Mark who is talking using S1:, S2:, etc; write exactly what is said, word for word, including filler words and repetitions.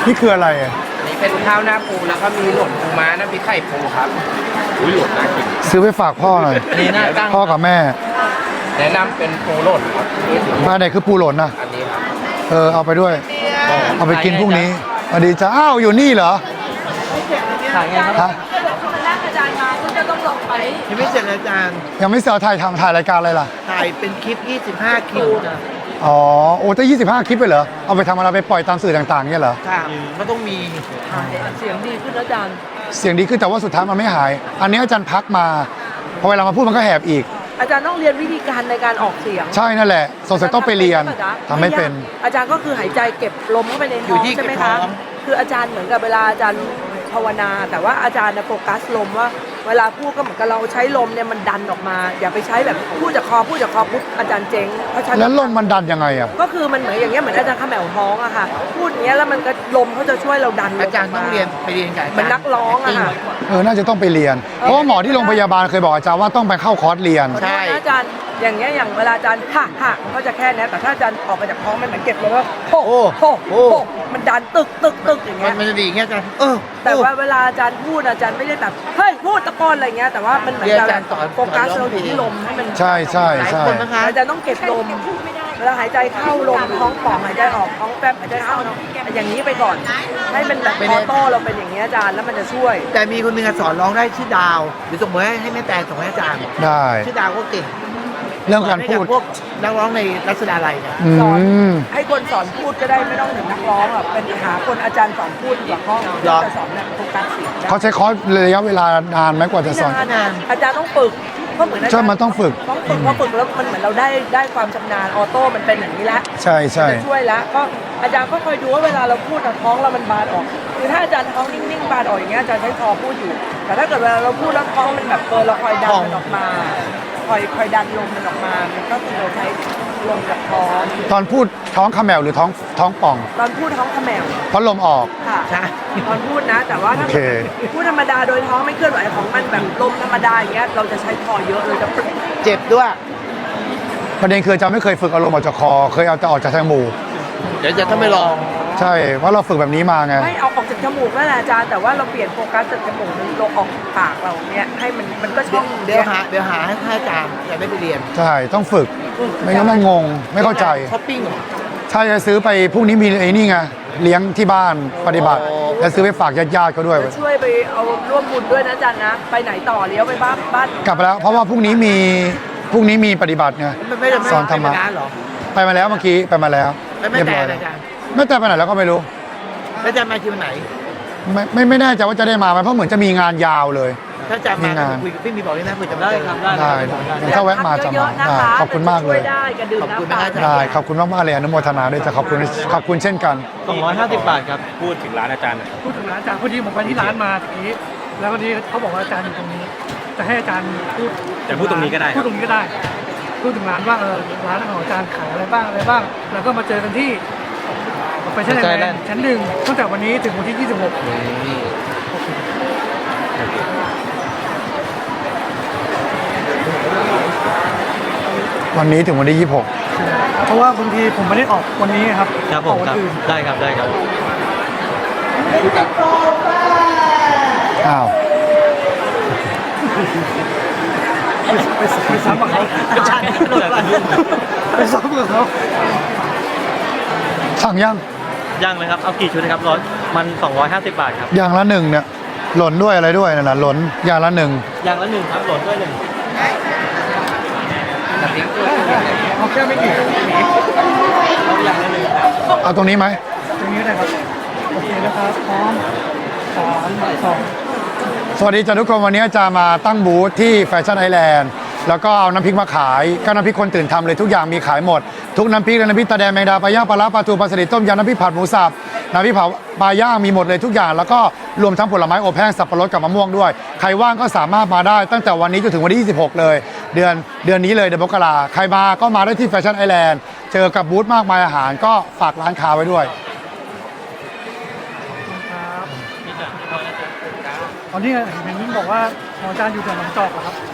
S1: นี่คืออะไรอ่ะ
S2: นี่เป็นข้าวหน้าปูแล้วก็มีหล่นปูม้าน้ำพริกไข่ปูครับอุ้ยหล่นน่ากิน
S1: ซื้อไปฝากพ่อหน่อย
S2: นี่น่าตั้ง
S1: พ่อกับแม่
S2: แนะนำเป็นปูหล่นครับ
S1: มาไหนคือปูหล่นนะ
S2: อันนี้ครับ
S1: เออเอาไปด้วยเอาไปกินพรุ่งนี้สวัสดีจ้าอ้าวอยู่นี่เหรอ
S2: ถ่ายไงครับ
S3: นั่งอาจารย์มาคุณจะต้องลงไป
S4: ยังไม่เสร็จอาจารย์
S1: ยังไม่เสร็จถ่ายทำถ่ายรายการอะไรล่ะ
S4: ถ่ายเป็นคลิปยี่สิบห้าคิว
S1: อ๋อโอ้จะยี่สิบห้าคลิปไปเหรอเอาไปทำอะไรไปปล่อยตามสื่อต่างๆเนี่ยเหรอ
S4: ค่ะมันต้องมี
S3: เสียงดีขึ้นอาจารย์
S1: เสียงดีขึ้นแต่ว่าสุดท้ายมันไม่หายอันนี้อาจารย์พักมาพอเวลามาพูดมันก็แหบอีก
S3: อาจารย์ต้องเรียนวิธีการในการออกเสียง
S1: ใช่นั่นแหละสงสัยต้องไปเรียนทำไม่เป็น
S3: อาจารย์ก็คือหายใจเก็บลมเข้าไปในท้องใช่ไหมคะคืออาจารย์เหมือนกับเวลาอาจารย์ภาวนาแต่ว่าอาจารย์โฟกัสลมว่าเวลาพูดก็เหมือนกับเราใช้ลมเนี่ยมันดันออกมาอย่าไปใช้แบบพูดจากคอพูดจากคอปุ๊บอาจารย์เจ๊งเพราะฉะนั้น
S1: แล้วลมมันดันยังไงอ่ะ
S3: ก็คือมันเหมือนอย่างเงี้ยเหมือนอาจารย์ขมแมวท้องอะค่ะพูดอย่างเงี้ยแล้วมันก็ลมเขาจะช่วยเราดัน
S4: อาจารย์ต้องเรียนไปเรียนกับ
S3: เหมือนนักร้องอะค่ะ
S1: เออน่าจะต้องไปเรียนเพราะว่าหมอที่โรงพยาบาลเคยบอกอาจารย์ว่าต้องไปเข้าคอร์สเรียน
S3: ใช่อาจารย์อย่างเงี้ยอย่างเวลาอาจารย์ฮ่าฮ่าก็จะแค่นี้แต่ถ้าอาจารย์ออกมาจากท้องมันเหมือนเก็บเลยว่าโอ้โหโอ้มันดันตึกตึกตึกอย่างเงี้ย
S4: มันจะดีอย่างเงี้ยอาจารย์เออ
S3: แต่ว่าเวลาอาจารย์พูดอาจารย์ไม่ได้แบบเฮ้ยพูดตะโกนอะไรเงี้ยแต่ว่ามันเหมือนอาจารย์โฟกัสเราอยู่ที่ลมให้มัน
S1: ใช่ใช่ใช่
S3: อาจารย์ต้องเก็บลมเวลาหายใจเข้าลมท้องป่องหายใจออกท้องแป๊บหายใจเข้าอย่างนี้ไปก่อนให้มันแบบออโต้เราเป็นอย่างนี้อาจารย์แล้วมันจะช่วย
S4: แต่มีคนหนึ่งสอนร้องได้ชื่อดาวหรือส่งมาให้แม่แตงส่งให้อาจารย์
S1: ได้
S4: ชื่อดาวก็เก่ง
S1: เรื่องการพูด
S4: พวกนักร้องในรัศดาลัยเนี่ย
S3: สอนให้คนสอนพูดก็ได้ไม่ต้องถึงนักร้องอ่ะเป็นหาคนอาจารย์สอนพูดดีกว่าเขาจะสอนเนี่ยโฟกัสเสียง
S1: เขาใช้คอร์สระยะเวลานานไหมกว่าจะสอน
S3: นานอาจารย์ต้องฝึกก็เหมือนอาจารย์
S1: ใช่มันต้องฝึก
S3: ต้องฝึกพอฝึกแล้วมันเหมือนเราได้ได้ความชำนาญออโต้มันเป็นอย่างนี้แล้ว
S1: ใช่ใช่
S3: จะช่วยแล้วก็อาจารย์ก็คอยดูว่าเวลาเราพูดท้องเรามันบานออกคือถ้าอาจารย์ท้องนิ่งๆบานออกอย่างเงี้ยอาจารย์ใช้คอพูดอยู่แต่ถ้าเกิดเวลาเราพูดแล้วท้องมันแบบเปิดเราคอยดันมันออกมาคอยคอยดันลมมันออกมามันก็คือเราใช้ลมกับท้อง
S1: ตอนพูดท้องขมแมวหรือท้องท้องป่อง
S3: ตอนพูดท้องขมแมว
S1: เพราะลมออก
S3: ค่ะใช่ตอนพูดนะแต่ว่าถ้าพูดธรรมดาโดยท้องไม่เคลื่อนไหวของมันแบบลมธรรมดาอย่างเงี้ยเราจะใช้คอเยอะเลยจะ
S4: เจ็บด้วย
S1: ประเด็นคืออาจารย์ไม่เคยฝึกอารมณ์ออกจากคอเคยเอาแต่ออกจากทางมูก
S4: เดี๋ยวจะต้องไปลอง
S1: ใช่เพราะเราฝึกแบบนี้มาไง
S3: ไม่เอาออกจากจมูกนั่นแหละอาจารย์แต่ว่าเราเปลี่ยนโฟกัสจากจมูกมันลงออกปากเราเนี่ยให้มันมันก็ช่อง
S4: เดี๋ยวหาเดี๋ยวหาให้อาจารย์จะไม่ไปเรียน
S1: ใช่ต้องฝึกไม่งั้นมันงงไม่เข้าใจ
S4: ช้อปปิ้งเหรอ
S1: ใช่จะซื้อไปพรุ่งนี้มีไอ้นี่ไงเลี้ยงที่บ้านปฏิบัติแล้วซื้อไปฝากญาติๆเขาด้วย
S3: ช่วยไปเอาร่วมบุญด้วยนะอาจารย์นะไปไหนต่อเลี้ยวไปบ้านบ้าน
S1: กลับไปแล้วเพราะว่าพรุ่งนี้มีพรุ่งนี้มีปฏิบัติไงสอนธรรมะไปมาแล้วเมื่อกี้ไปมาแล้ว
S4: เรียบร้อยแล้ว
S1: ไม่แต่ไปไหนแล้วก็ไม่รู้
S4: แล้วจะมาคิวไหน
S1: ไม่ไม่ไม่แน่ใจว่าจะได้มาไหมเพราะเหมือนจะมีงานยาวเลย
S4: ถ้าจะมาคุยกับพี่มีบอกเลยนะคุยจะได้
S1: ครับได้ถ้าแวะมาจะมาขอบคุณมากเลย
S4: ขอบคุณมาก
S1: ได้ขอบคุณมากมากเลยอนุโมทนาด้วยจะขอบคุณขอบคุณเช่นกัน
S2: สองร้อยห้าสิบบาทครับพูดถึงร้านอาจารย์
S5: พูดถึงร้านอาจารย์พอดีผมไปที่ร้านมาทีนี้แล้วพอดีเขาบอกว่าอาจารย์อยู่ตรงนี้จะให้อาจารย์พูด
S2: จะพูดตรงนี้ก็ได้
S5: พูดตรงนี้ก็ได้พูดถึงร้านว่าเออร้านของอาจารย์ขายอะไรบ้างอะไรบ้างแล้วก็มาเจอกันที่ไปชั้นไหนชั้นหนึ่งตั้งแต่วันนี้ถึงวันที่ยี่สิบหก
S1: วันนี้ถึงวันที่ยี่สิบหก
S5: เพราะว่าบางทีผมไม่ได้ออกวันนี้ครับ
S2: ครับผมครับได้ครับได้ครับ
S1: อ้าว
S5: ไปไปซ้ำกับเขาไปซ้ำกับเขา
S1: สั่งยัง
S2: ยังเลยครับเอากี่ชุดนะครับร้อยมันสองร้อยห้าสิบบาทครับ
S1: อย่างละหนึ่งเนี่ยหล่นด้วยอะไรด้วยนั่นแหละหล่นอย่างละหนึ่ง
S2: อย่างละหนึ่งครับหล่นด้วยหนึ่ง
S5: เอาแค่ไม่กี่
S2: อย่างละหนึ่ง
S1: เอาตรงนี้ไหม
S5: ตรงนี้ได้ครับโอเคนะครับพร้อมสามสอง
S1: สวัสดีจ้าทุกคนวันนี้จะมาตั้งบูธที่แฟชั่นไอแลนด์แล้วก็เอาน้ำพริกมาขายก็น้ำพริกคนตื่นทำเลยทุกอย่างมีขายหมดทุกน้ำพริกน้ำพริกตาแดงแมงดาปลาย่างปลาล้าปลาทูปลาสลิดต้มยำน้ำพริกผัดหมูสับน้ำพริกเผาปลาย่างมีหมดเลยทุกอย่างแล้วก็รวมทั้งผลไม้อบแห้งสับปะรดกับมะม่วงด้วยใครว่างก็สามารถมาได้ตั้งแต่วันนี้จนถึงวันที่ยี่สิบหกเลยเดือนเดือนนี้เลยเดือนมกราใครมาก็มาได้ที่แฟชั่นไอแลนด์เจอกับบูธมากมายอาหารก็ฝากร้านค้าไว้ด้วย
S5: ตอนนี้เห็นบอกว่าอาจารย์อยู่แถวหนองจอกเหรอครับ